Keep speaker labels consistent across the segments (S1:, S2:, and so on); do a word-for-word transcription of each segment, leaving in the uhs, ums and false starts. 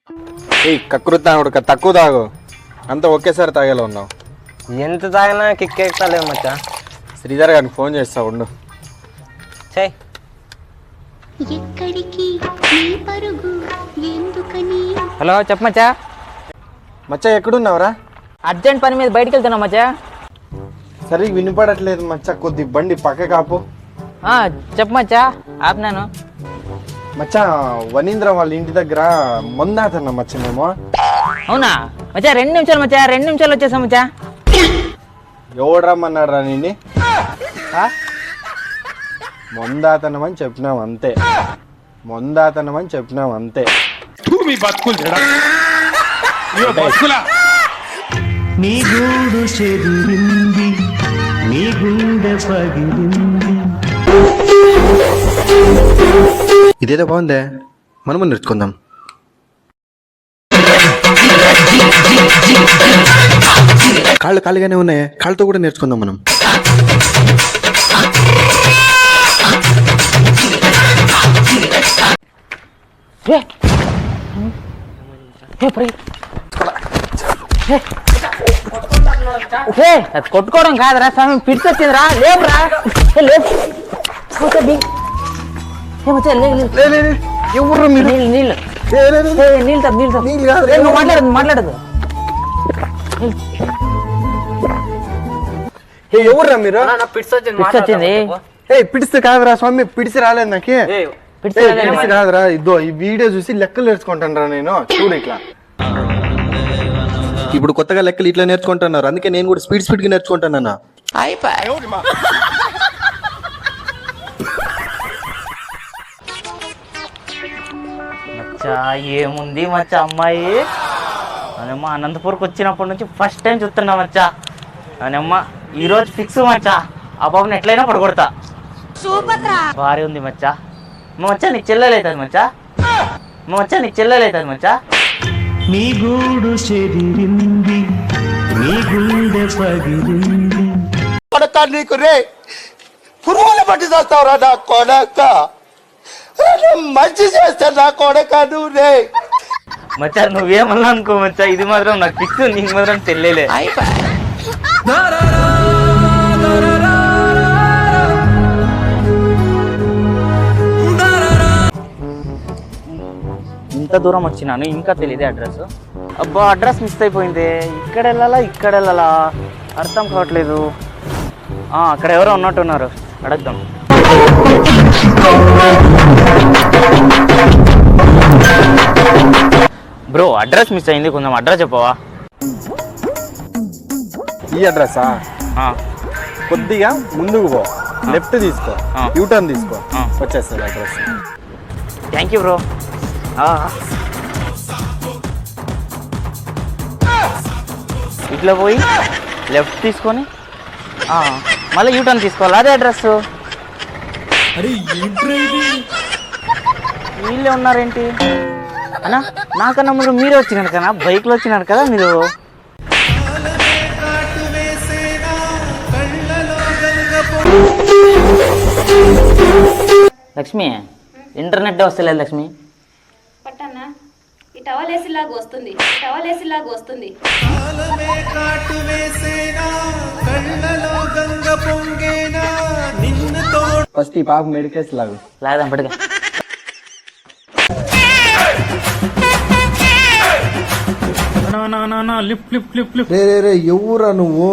S1: ఈ కకృతి తాగుడు తక్కువ తాగు, అంతా ఒకేసారి తాగేలా ఉన్నావు.
S2: ఎంత తాగినా కిక్ ఎక్కుతలేదు మచ్చా.
S1: శ్రీధర్ గారికి ఫోన్ చేస్తా ఉండు.
S2: చెయ్. హలో చెప్ప మచ్చా.
S1: మచ్చా ఎక్కడున్నావురా?
S2: అర్జెంట్ పని మీద బయటికి వెళ్తున్నా మచ్చా.
S1: సరిగ్గా వినపడట్లేదు మచ్చా, కొద్ది బండి పక్క కాపు.
S2: చెప్ప మచ్చా, ఆపినాను.
S1: మచ్చా వనీంద్ర వాళ్ళ ఇంటి దగ్గర మొందాతన్నా మచ్చ మేము.
S2: అవునా మచ్చా? రెండు నిమిషాలు మచ్చా, రెండు నిమిషాలు వచ్చేసా మచ్చా.
S1: ఎవడు రమ్మన్నాడు రా నిండి? మొందాతనమని చెప్పినాం అంతే, మొందాతనమని చెప్పినాం అంతే.
S3: నీ గూడు చెదిరింది, నీ గుండె పగిలింది.
S1: ఇదేదో బాగుందే, మనము నేర్చుకుందాం. కాళ్ళు ఖాళీగానే ఉన్నాయి, కాళ్ళతో కూడా నేర్చుకుందాం మనం.
S2: కొట్టుకోవడం కాదురా స్వామి, పిడిచి వచ్చిందిరా. లేవురా,
S1: ఎవరు మీరు?
S2: నీళ్ళు నీళ్ళు నీళ్ళు నీళ్ళు నీళ్ళు మాట్లాడదు మాట్లాడదు
S1: ఎవర్రా మీరు?
S2: వచ్చింది.
S1: ఏ పిడిస్తే కాదురా స్వామి, పిడిచి రాలేదు నాకే. పిడిచి కాదురా, ఇదో ఈ వీడియో చూసి లెక్కలు నేర్చుకుంటాను రా నేను. చూడు ఇట్లా ఇప్పుడు కొత్తగా లెక్కలు ఇట్లా నేర్చుకుంటున్నారు, అందుకే నేను కూడా స్పీడ్ స్పీడ్ గా నేర్చుకుంటానన్నా.
S2: మచ్చా ఏముంది మచ్చా అమ్మాయి అనమ్మ, అనంతపూర్కి వచ్చినప్పటి నుంచి ఫస్ట్ టైం చూస్తున్నా మచ్చా. అనమ్మ ఈరోజు ఫిక్స్ మచ్చా, ఆ బాబుని ఎట్లయినా పడగొడతా. భారీ ఉంది మచ్చా. మా మచ్చా నీ చెల్లెలవుతుంది మచ్చా, మా మచ్చా నీ చెల్లెలవుతుంది మచ్చా.
S3: నీ గూడు చెదిరింది, నీ గుండె పగిలింది.
S4: కొడక నీకు రే పురుగులు పట్టి చేస్తావురా నా కొడక, మంచి చేస్తా నా కొడక నువ్వు రే.
S2: మచ్చా నువ్వేమన్నా అనుకో మచ్చా, ఇది మాత్రం నాకు ఫిక్స్, నీకు మాత్రం చెల్లెలే. ఇంత దూరం వచ్చినాను ఇంకా తెలియదే అడ్రస్. అబ్బా అడ్రస్ మిస్ అయిపోయింది. ఇక్కడ వెళ్ళాలా ఇక్కడ వెళ్ళాలా అర్థం కావట్లేదు. అక్కడ ఎవరో ఉన్నట్టున్నారు, అడగదాం. బ్రో అడ్రస్ మిస్ అయింది, కొంచెం అడ్రస్ చెప్పవా?
S1: ఈ అడ్రస్సా? కొద్దిగా ముందుకు పో, లెఫ్ట్ తీసుకో, యూటర్న్ తీసుకో, వచ్చేస్తుంది అడ్రస్.
S2: Thank you bro. ఇట్లా పోయి లెఫ్ట్ తీసుకొని మళ్ళీ యూటర్న్ తీసుకోవాలి, అదే అడ్రస్. వీళ్ళే ఉన్నారేంటి అన్నా? నాకన్నా ముందు మీరే వచ్చినారు కదా, బైక్లో వచ్చినారు కదా మీరు. లక్ష్మి ఇంటర్నెట్ వస్తలేదు లక్ష్మి.
S5: పట్టన్నా ఈ టవల్ వేసిలాగా వస్తుంది, టవల్ వేసిలాగా వస్తుంది.
S1: ఫస్ట్ ఈ పాప మెడికేస్ లాగు
S2: లాగదాం పట్టుగా.
S1: రే రే రే ఎవరా నువ్వు?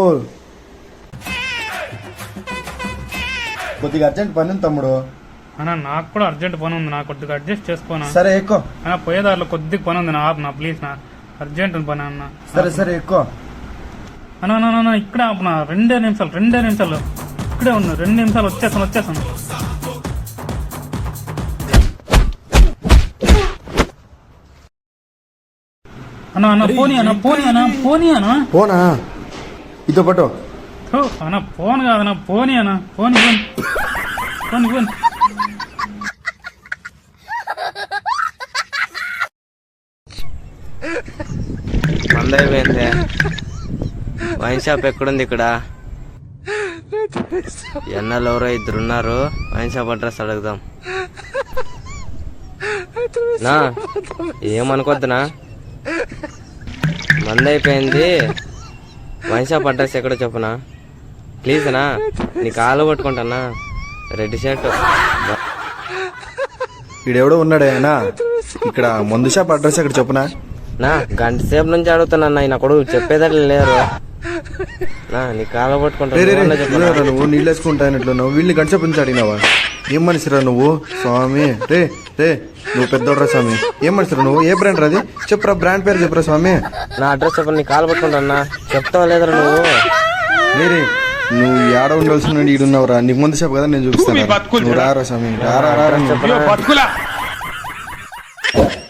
S1: కొద్దిగా అర్జెంట్ పని ఉంది తమ్ముడు.
S6: అన్నా నాకు కూడా అర్జెంట్ పని ఉంది, నాకు కొద్దిగా అడ్జస్ట్ చేసుకోనా?
S1: సరే ఎక్కువ.
S6: అన్న పోయేదారిలో కొద్దిగా పని ఉంది, నా ఆపనా ప్లీజ్, నా అర్జెంట్ పని అన్న.
S1: సరే సరే ఎక్కువ.
S6: అన్న ఇక్కడే ఆపనా, రెండే నిమిషాలు రెండే నిమిషాలు ఇక్కడే ఉన్నా, రెండు నిమిషాలు వచ్చేసాను వచ్చేసాను. అన్న అన్న పోనీ అన్న పోనీ అన్న పోనీ అన్న
S1: పోనా ఇదో పట్టు.
S6: అన్న ఫోన్ కాదన్న పోనీ అన్న పోనీ పోనీ పోనీ పోనీ.
S2: మందైపోయింది. వైన్ షాప్ ఎక్కడుంది ఇక్కడ? ఎన్నెల్లో ఎవరో ఇద్దరు ఉన్నారు, వైన్ షాప్ అడ్రస్ అడుగుదాం. నా ఏమనుకోద్దునా,
S7: మంది అయిపోయింది. వైన్ షాప్ అడ్రస్ ఎక్కడో చెప్పునా ప్లీజ్ అన్నా, నీ కాలు పట్టుకుంటానా. Red shirt.
S1: ఈడెవడో ఉన్నాడే అన్నా, ఇక్కడ మందు షాప్ అడ్రస్ ఎక్కడ చెప్పునా.
S7: నా గంట సేపు నుంచి అడుగుతున్నా, ఈయన కొడుకు చెప్పేదట్లే లేరు. నా నీ కాలు పట్టుకుంటా.
S1: నువ్వు నీళ్ళు వేసుకుంటానట్లు నువ్వు వీళ్ళని గంట సేపు నుంచి అడిగినావా? ఏం మనిషిరా నువ్వు స్వామి? రే రే నువ్వు పెద్దోడ్రా స్వామి. ఏం మనిషిరా నువ్వు? ఏ బ్రాండ్ రాది చెప్పురా, బ్రాండ్ పేరు చెప్పురా స్వామి.
S7: నా అడ్రస్ చెప్పు, నీ కాలు పట్టుకుంటా. చెప్తావా లేదురా నువ్వు?
S1: లేరే నువ్వు ఏడ ఉండాల్సిన ఈడున్నావురా. నీకు ముందు చెప్పు కదా, నేను చూపిస్తాను. నువ్వు రారా స్వామి, రారా రారా.